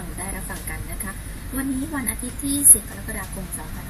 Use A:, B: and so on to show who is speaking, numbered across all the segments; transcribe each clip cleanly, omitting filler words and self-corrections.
A: ฟังได้รับฟังกันนะคะวันนี้วันอาทิตย์ที่10 กรกฎาคม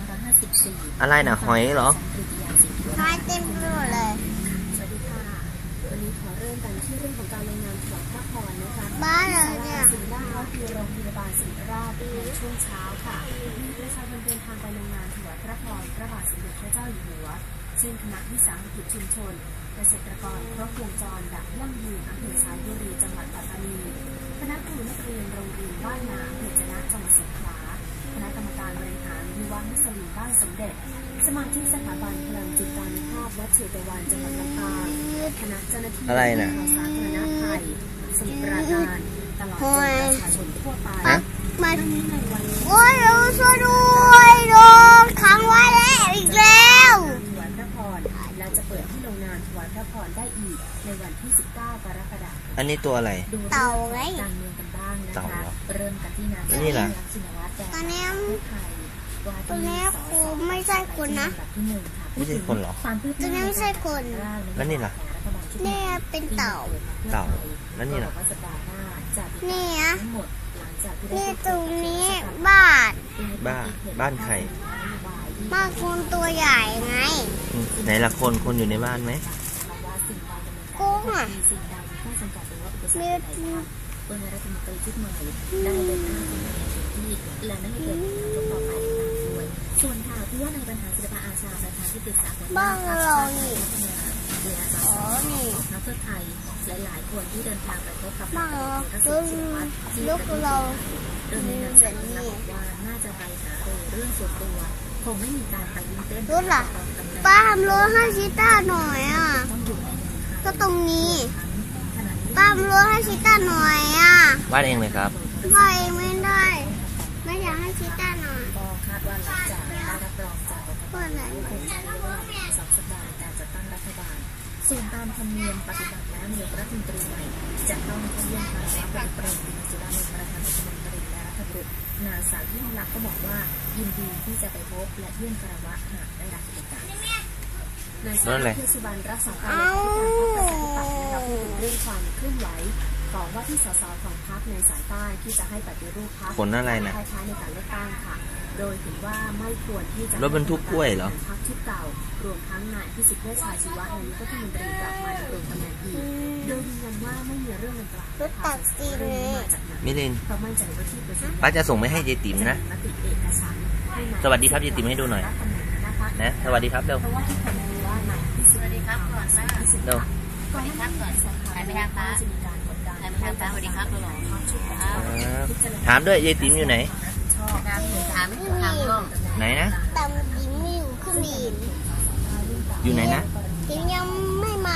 A: 2554
B: อะไรนะหอยเหรอ
C: หอยเต็มไปหมดเลย
A: สวัสดีค่ะวันนี้ขอเริ่มกันที่เรื่องของการรายงานถวายพระพรนะคะ
C: บ้านเราเนี่ย
A: ศิริราชก็คือโรงพยาบาลศิริราชในช่วงเช้าค่ะมีประชาชนเดินทางไปรายงานถวายพระพรพระบาทสมเด็จพระเจ้าอยู่หัวซึ่งคณะวิสาหกิจชุมชนเกษตรกรครบวงจรแบบยั่งยืนอำเภอสายบุรีจังหวัดปัตตานีคณะครูนักเรียนโรงเรียนบ้านนาอำเภอจะนะจังหวัดสงขลาคณะกรรมการบริหารยุวมุสลิมบ้านสมเด็จสมาชิกสถาบันพลังจิตตานุภาพวัดเชตวันจังหวัดลำปางคณะเจ้าหน้าที่
B: อะไรนะ
A: สาธารณภัยสมุทรปราการตลอดจนประชาชนทั่วไป
C: มาโอ้ยเราช่วยด้วยโดนขังไว้แล้วอีกแล้ว
A: ถวายพระพรและจะเปิดให้ลงนามถวายพระพรได้อีกในวันที่19 กรกฎาคม
B: อันนี้ตัวอะไร
C: เต่าไง
A: การเมืองกันบ้างนะคะเริ่มกันที่นาย
B: นี่ล่ะ
C: ตอนนี้ครูไม่ใช่คนนะ
B: ไม่ใช่คนหรอ
C: ตอนนี้ไม่ใช่คน
B: แล้วนี่ล่ะ
C: นี่เป็นเต่า
B: แล้วนี่ล่ะ
C: นี่นะนี่ตรงนี้บ้
B: านใคร
C: บ้านคนตัวใหญ่ไง
B: ไหนล่ะคนอยู่ในบ้านไหม
C: กุ้งอ่ะมี
A: รัฐมนตรีชุดใหม่ได้เดินหน้าทำงานที่และไม่ให้เกิดผลกระทบต่อไปตามด้วยส่วนข่าวที่ว่านายบรรหารศิลปอาชาประธานที่ปรึกษาหัวหน้าพรรคชาติพัฒนาโดยอาสาสมัครของพรรคเพื่อไทยหลายๆคนที่เดินทางไปพบกับนายทักษิณชินวัตรที่ประเทศไทยโดยในนามสัญญาบอกว่าน่าจะไปหาเรื่องส่วนตัวคงไม่มีการไปยื่นเต้น
C: รู้ล่ะป้าทำรถให้ชิต้าหน่อยอ่ะก็ตรงนี้ป้าทำรถให้ชิต้าหน่อยอ่ะ
B: วาดเองเลยครับ
C: วาดเองไม่ได้ไม่อยากให้ชิต้าหน่อย
A: ก็คาดว่าหลังจากได้รับรองจากกกต.คงใช้เวลา2 สัปดาห์ในการจัดตั้งรัฐบาลส่วนตามธรรมเนียมปฏิบัติแล้วนายกรัฐมนตรีใหม่จะต้องเข้าเยี่ยมคารวะพลเอกประวิตร วงษ์สุวรรณประธานรัฐมนตรีและรัฐบุตรนางสาวยิ่งลักษณ์ก็บอกว่ายินดีที่จะไปพบและเยี่ยมคารวะหากได้รับโอกาสนายสาธิต สุบรรณรักษาการเลขาธิการพรรคประชาธิปัตย์นะคะพูดถึงเรื่องความเคลื่อนไหวของว่าที่สสของพรรคในสายใต้ที่จะให้ปฏิรูปพรรค
B: คนอะไรนะ
A: ท้ายในการเลือกตั้งค่ะโดยถือว่าไม่ควรที่จะ
B: รถบรรทุกกล้วยเหรอ
A: พรรคชุดเก่ารวมทั้งนายพิสิทธิ์เวชชาชีวะนายกรัฐมนตรีกลับมาดำรงตำแหน่งอีกโดยยืนยันว่าไม่มีเรื่องดังกล่าว
C: รถตัดสิน
B: มิลิน
A: เพราะมั่นใจว่าที่ประชุม
B: ป้าจะส่งไปให้เจติ๋มนะสวัสดีครับเจติ๋มให้ดูหน่อยนะสวัสดีครับเร็ว
A: เพราะว่าทุกคนรู้ว่านายพิสิทธิ์
D: สวัสดีครับก่อนนะ
B: เร็ว
D: สวัสดีครับก่อนถ่ายไปทางฟ้าถ่ายไปทางฟ้าสวัสดีครับหรอ
B: ถามด้วยเจติ๋มอยู่ไหน
D: ถามก็
B: ไหนนะ
C: ตามยิ้มอยู่ขึ้นบิน
B: อยู่ไหนนะ
C: ยิ้มยังไม่มา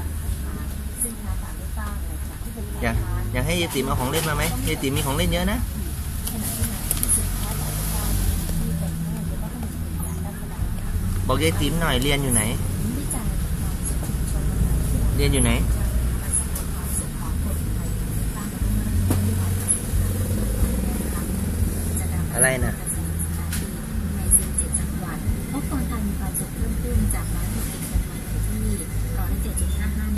B: อยากให้เจติ๋มเอาของเล่นมาไหมเจติ๋มมีของเล่นเยอะนะบอกเจติ๋มหน่อยเรียนอยู่ไหนอะไรนะ
A: พบคนไทยมีความสุขเพิ่มขึ้นจาก161 คนมาอยู่ที่107.55